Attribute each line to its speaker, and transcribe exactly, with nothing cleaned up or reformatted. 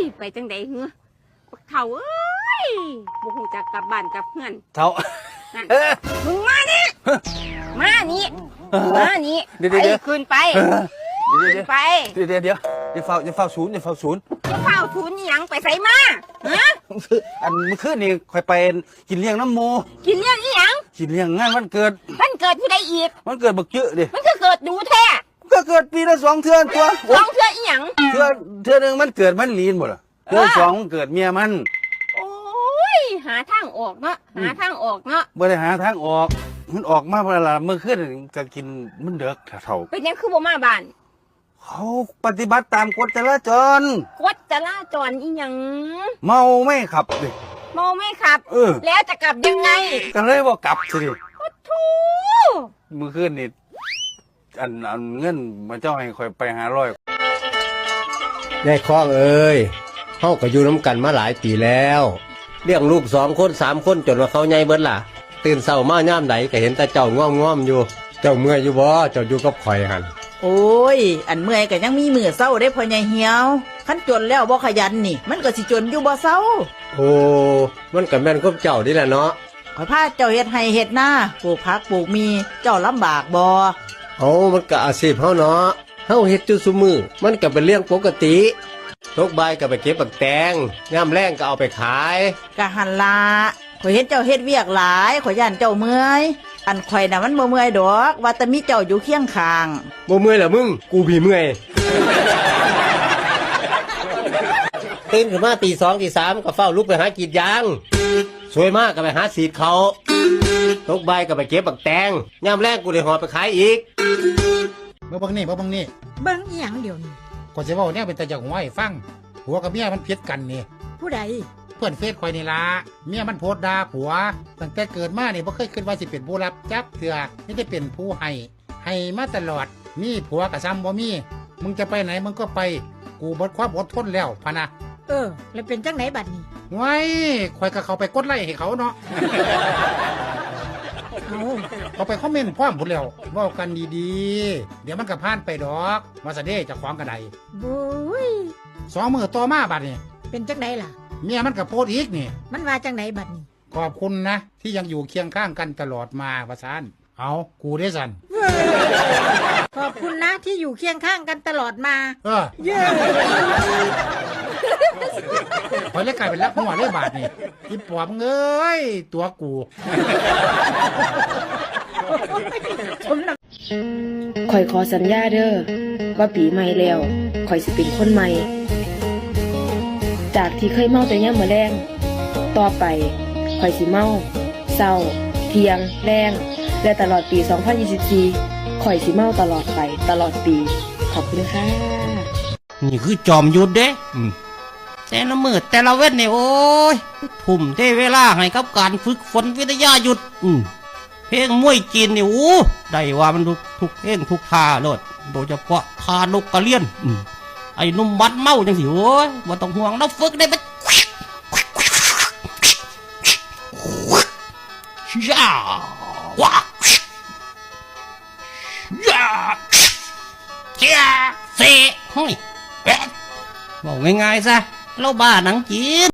Speaker 1: ไปจังใดเหรอเฒ่าเอ้ยบ่ฮู้จักกลับบ้านกลับเฮือน
Speaker 2: เฒ่า
Speaker 1: มึงมานี่มานี่มานี่ไปขึ้นไปไป
Speaker 2: เดี๋ยวเดี๋ยวเดี๋ยวเดี๋ยวเฝ้าเดี๋ยวเฝ้าศูนย์เดี๋ยวเฝ้าศูนย์
Speaker 1: จะเฝ้าศูนย์หยังไปใส่มาฮะ
Speaker 2: อันเมื่อคืนนี่คอยไปกินเลี้ยงน้ำโม
Speaker 1: กินเลี้ยงอีหยัง
Speaker 2: กินเลี้ยงงานวันเกิด
Speaker 1: วันเกิดผู้ใดอีก
Speaker 2: วันเกิดบักเยอะดิ
Speaker 1: มันก็เกิดดูแท้
Speaker 2: ก็เกิดปีละสองเทื่อตัว
Speaker 1: สองเทื่ออีหยัง
Speaker 2: เทื่อเทื่อนึงมันเกิดมันลีนหมดอ่ะเทื่อสองมันเกิดเมียมัน
Speaker 1: โอ้ยหาทางออกเนาะหาทางออกเนาะ
Speaker 2: บ่ได้หาทางออกมันออกมาเวลาเมื่อคืนจะกินมันเด็กเท่า
Speaker 1: เป็นยังคือบ่มาบ้าน
Speaker 2: เขาปฏิบัติตามกฎจราจร
Speaker 1: กฎจราจรอีหยัง
Speaker 2: เมาไม่ขับดิ
Speaker 1: เมาไม่ขับ
Speaker 2: เออ
Speaker 1: แล้วจะกลับยังไง
Speaker 2: ก็เลยว่ากลับสิ
Speaker 1: โอ้โธ่
Speaker 2: เมื่อคืนนี่อันอันเงินมาเจ้าให้คอยไปหาร้อย
Speaker 3: ยายคล้องเอ้ยเฮาก็อยู่น้ำกันมาหลายปีแล้วเลี้ยงลูกสองคนสามคนจนว่าเขาใหญ่เบิดล่ะตื่นเช้ามาย่ามไหนก็เห็นแต่เจ้าง่อมง่อมอยู่เจ้าเมื่อยอยู่บ่เจ้าอยู่กับข่อยหัน
Speaker 4: โอ้ยอันเมื่อยก็ยังมีมือเศร้าได้พ่อใหญ่เหี่ยวคันจนแล้วบ่ขยันนี่มันก็สิจนอยู่บ่เศร้า
Speaker 3: โอ้มันก็แม่นกับเจ้านี่แหละเนาะ
Speaker 4: ข้อยพาเจ้าเฮ็ดไร่เฮ็ดนาปลูกผักปลูกมีเจ้าลำบากบ่
Speaker 3: เอ้ามันก็อาชีพเฮาเนาะเฮาเฮ็ดอยู่ซุมื้อมันก็เป็นเรื่องปกติตกบ่ายก็ไปเก็บบักแตงยามแลงก็เอาไปขาย
Speaker 4: ก็หั่นล่ะข่อยเห็นเจ้าเฮ็ดเวียกหลายข่อยย่านเจ้าเมื่อยอันข่อยน่ะมันบ่เมื่อยดอกว่าแต่มีเจ้าอยู่เคียงข้าง
Speaker 3: บ่เมื่อยล่ะมึงกูพี่เมื่อยตื่นขึ้นมาตีสองตีสามก็เฝ้าลุกไปหากรีดยางสวยมากก็ไปหาสีดเขาตกใบก็ไปเก็บบักแตงยามแรกกูได้หอไปขายอีก
Speaker 5: เมื่อบังนี่เมื่อบังนี่
Speaker 6: เบิ่งอีหยังเดี๋ยวนี้
Speaker 5: ก่อนจะว่าเนี่ยเป็นตาจากหัวให้ฟังผัวกับเมียมันเพี้ยกันนี่
Speaker 6: ผู้ใด
Speaker 5: เพื่อนเฟซคอยนี่ละเมียมันโพสด่าผัวตั้งแต่เกิดมาเนี่ยบ่เคยคิดว่าสิเป็นผู้รับจับเถื่อนี่ได้เป็นผู้ให้ให้มาตลอดมีผัวกับซ้ำบ่มีมึงจะไปไหนมึงก็ไปกูหมดความอดทนแล้วพะนะ
Speaker 6: เออแล้วเป็นจังไหนบัดนี้
Speaker 5: ไว้คอยกับเขาไปกดไลค์ให้เขาเนาะ
Speaker 6: เอา
Speaker 5: เขาไปคอมเมนต์พร้อมหมดแล้วว่ากันดีๆเดี๋ยวมันก็ผ่านไปดอกมาซะเด้จะขวางกันใด
Speaker 6: บุ้ย
Speaker 5: สองมือต่อมาบัดนี้
Speaker 6: เป็นจังไหนล่ะ
Speaker 5: เมียมันก็โพสอีกนี่
Speaker 6: มันว่าจังไหนบัดนี้
Speaker 5: ขอบคุณนะที่ยังอยู่เคียงข้างกันตลอดมาว่าซั่นเอากูได้สั่น
Speaker 6: ขอบคุณนะที่อยู่เคียงข้างกันตลอดมา
Speaker 5: เออเย้พอเล็กกลายเป็นรักหัวเลยบาทนี่อีปอบเอ้ยตัวกู
Speaker 7: ข่อยขอสัญญาเด้อว่าปีใหม่แล้วข่อยสิเป็นคนใหม่จากที่เคยเมาแต่ยามมื้อแลงต่อไปข่อยสิเมาเช้าเที่ยงแลงและตลอดปีสองพันยี่สิบสี่ข่อยสิเมาตลอดไปตลอดปีขอบคุณค่ะ
Speaker 8: นี่คือจอมยุทธเด้แต่ละมืดแต่ละเว้นเนี่ยโอ้ยทุ่มเทเวลาให้กับการฝึกฝนวิทยายุทธเพลงมวยจีนเนี่ยโอ้ได้ว่ามันทุกทุกเพลงทุกท่าเลยโดยเฉพาะท่านกกระเลียนไอ้นุ่มบัดเมาจังสิโอ้ยว่าต้องห่วงเราฝึกได้ไหมย่าว้าย่าเจ้าเซ่ห้อยแปะบอกง่ายๆซะเราบ้าหนังจีน